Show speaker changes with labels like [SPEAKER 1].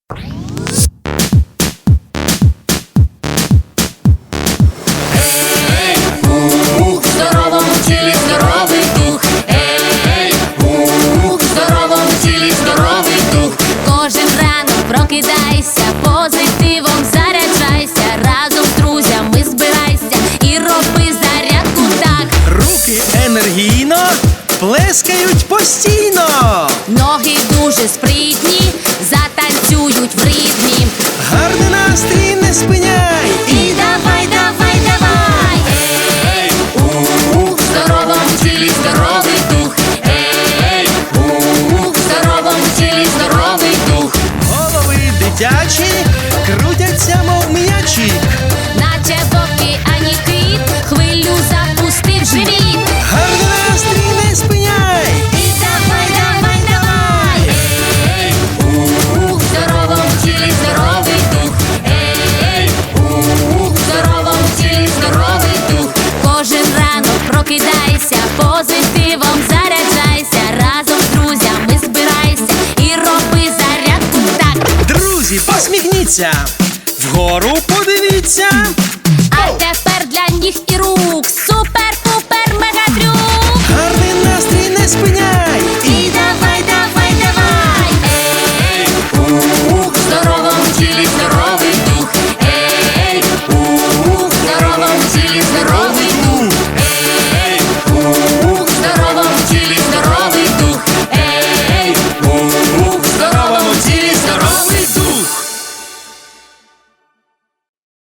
[SPEAKER 1] В здоровому тілі здоровий дух. В здоровому тілі здоровий дух.
[SPEAKER 2] Кожен ранок прокидайся, позитивом заряджайся, разом з друзями збирайся і роби зарядку так.
[SPEAKER 3] Руки енергійно плескають постійно.
[SPEAKER 2] Ноги дуже спритні, затанцюють в ритмі.
[SPEAKER 3] Гарний настрій не спиняй.
[SPEAKER 2] І давай, давай, давай.
[SPEAKER 1] В здоровому тілі здоровий дух. В здоровому тілі здоровий дух.
[SPEAKER 3] Голови дитячі крутяться, мов м'ячі.
[SPEAKER 2] Наче в океані кит, хвилю запустив живіт.
[SPEAKER 3] Гарний настрій не спиняй.
[SPEAKER 2] І давай, давай, давай.
[SPEAKER 1] В здоровому тілі здоровий дух. В здоровому тілі здоровий дух.
[SPEAKER 2] Кожен ранок прокидайся, позитивом заряджайся, разом з друзями збирайся і роби зарядку так.
[SPEAKER 3] Друзі, посміхніться, вгору подивіться.
[SPEAKER 2] А тепер для ніг і рук